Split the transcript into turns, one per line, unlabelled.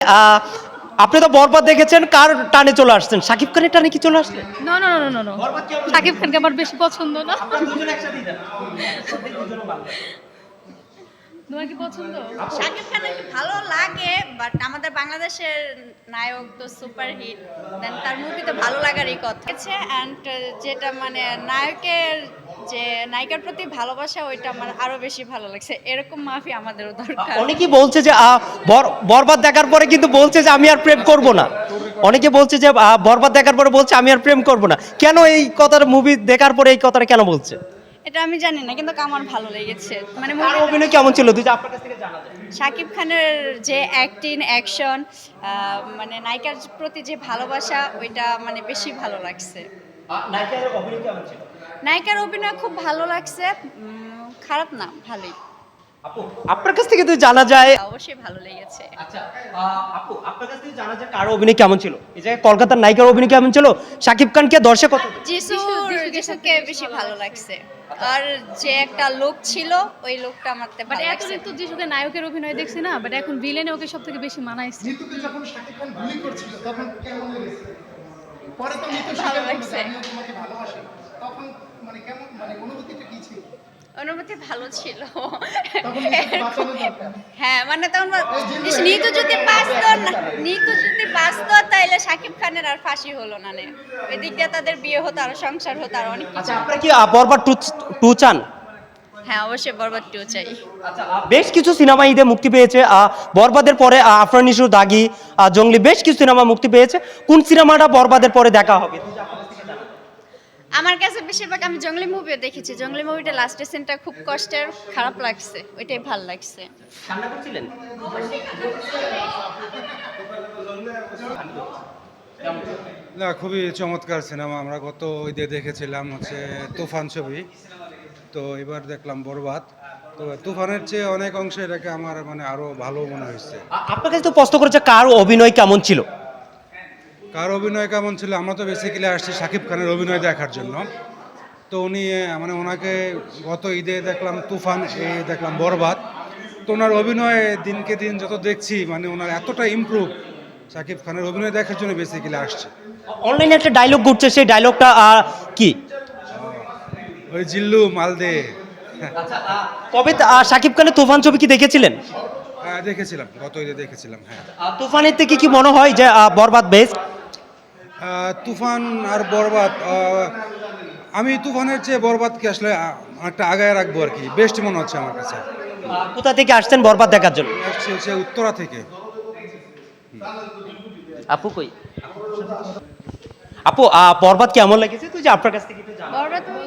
আহ, আপনি তো বরবাদ দেখেছেন, কার টানে চলে আসছেন? শাকিব খানের টানে কি চলে আসলেন?
No no no no no
বরবাদ কেমন
শাকিব
লেগেছে?
খানকে আমার বেশি পছন্দ না।
আপনারা দুজন একসাথেই যান। দুজনে ভালো লাগে।
তোমার কি পছন্দ?
শাকিব খানের ভালো লাগে, বাট আমাদের বাংলাদেশের নায়ক তো সুপার হিট, দেন তার মুভিতে ভালো লাগারই কথা আছে। অ্যান্ড যেটা মানে নায়কের যে নায়িকার প্রতি ভালোবাসা, ওইটা আমার আরো বেশি ভালো লাগছে। এরকম মাফি আমাদেরও দরকার।
অনেকেই বলছে যে বরবাদ দেখার পরে কিন্তু বলছে যে আমি আর প্রেম করব না। অনেকে বলছে যে বরবাদ দেখার পরে বলছে আমি আর প্রেম করব না। কেন এই কথাটা, মুভি দেখার পরে এই কথাটা কেন বলছে?
এটা আমি জানি না, কিন্তু আমার ভালো লেগেছে। মানে
আর
movie-
অভিনয় কেমন ছিল, দুই যে আপনার কাছ থেকে জানা যায়।
শাকিব খানের যে অ্যাক্টিং অ্যাকশন, মানে নায়িকার প্রতি যে ভালোবাসা, ওইটা মানে বেশি ভালো লাগছে।
নায়িকার অভিনয় কেমন ছিল?
নায়িকার অভিনয় খুব ভালো লাগছে, খারাপ না, ভালোই।
আপু, আপনার কাছ থেকে তো জানা যায়।
অবশ্যই ভালো লেগেছে।
আচ্ছা, আপু, আপনার কাছ থেকে জানা যায় কার অভিনয় কেমন ছিল? এই জায়গায় কলকাতার নায়িকার অভিনয় কেমন ছিল? শাকিব খানকে দর্শক কত?
যিশুকে বেশি ভালো লাগছে। আর যে একটা লোক ছিল, ওই লোকটা আমার
বাট
ভালো লাগছে।
এতদিন তো যিশুকে নায়কের অভিনয় দেখছি না, বাট এখন ভিলেনে ওকে সব থেকে বেশি মানাইছে।
নিতুকে যখন শাকিব খান গুলি করছিল তখন কেমন লেগেছে? পরে তো নিতু
ভালো
স্বীকার করলো যে
লাগছে।
আমিও তোমাকে ভালোবাসি। তখন মানে কেমন, মানে অনুভূতিটা কি ছিল?
অনুভূতি ভালো ছিল।
তখন নিতুকে বাঁচানো দরকার।
হ্যাঁ, মানে তখন নিতু যদি বাঁচতো তাইলে শাকিব খানের আর ফাঁসি হলো না নে। ওই দিক দিয়ে তাদের বিয়ে হতো, আর সংসার হতো, আর অনেক কিছু।
আচ্ছা, আপনারা কি বরবাদ টু চান?
হ্যাঁ, অবশ্যই বরবাদ 2 চাই।
আচ্ছা, বেশ কিছু সিনেমা ঈদে মুক্তি পেয়েছে। বরবাদের পরে আফরান নিশো, দাগি, জঙ্গলি, বেশ কিছু সিনেমা মুক্তি পেয়েছে। কোন সিনেমাটা বরবাদের পরে দেখা হবে?
আমার কাছে বেশিরভাগ, আমি জঙ্গলি মুভিও দেখেছি। জঙ্গলি মুভিটা লাস্টের সিনটা খুব কষ্টের, খারাপ লাগছে, ওইটাই ভালো লাগছে।
কান্না করছিলেন?
না, খুবই চমৎকার সিনেমা। আমরা গত ঈদে দেখেছিলাম হচ্ছে তুফান ছবি, তো এবার দেখলাম বরবাদ। তো তুফানের চেয়ে অনেক অংশে এটাকে আমার মানে আরো ভালো মনে হয়েছে।
আপনার কাছে তো প্রশ্ন করেছে কার অভিনয় কেমন ছিল।
কার অভিনয় কেমন ছিল? আমরা তো বেসিক্যালি আসছি শাকিব খানের অভিনয় দেখার জন্য। তো উনি মানে ওনাকে গত ঈদে দেখলাম তুফান, দেখলাম বরবাদ। তো ওনার অভিনয় দিনকে দিন যত দেখছি, মানে ওনার এতটা ইমপ্রুভ, শাকিব খানের অভিনয় দেখার জন্য বেসিক্যালি আসছে।
অনলাইনে একটা ডায়লগ ঘুরছে, সেই ডায়লগটা কি?
ওই জিল্লু মালদে।
আচ্ছা, কবে শাকিব খানের তুফান ছবি কি দেখেছিলেন?
হ্যাঁ, দেখেছিলাম, গত ঈদে দেখেছিলাম। হ্যাঁ,
তুফানের থেকে কি মনে হয় যে বরবাদ বেস্ট?
তুফান আর বরবাদ, আমি তুফানের চেয়ে বরবাদকে আসলে একটা আগায় রাখবো আর কি, বেস্ট মনে হচ্ছে আমার কাছে।
কোথা থেকে আসছেন বরবাদ দেখার জন্য?
আসছে হচ্ছে উত্তরা থেকে।
আপু কই? আপু, বরবাদ কেমন লেগেছে? তুই যে আপনার কাছ থেকে একটু জানো।
বরবাদ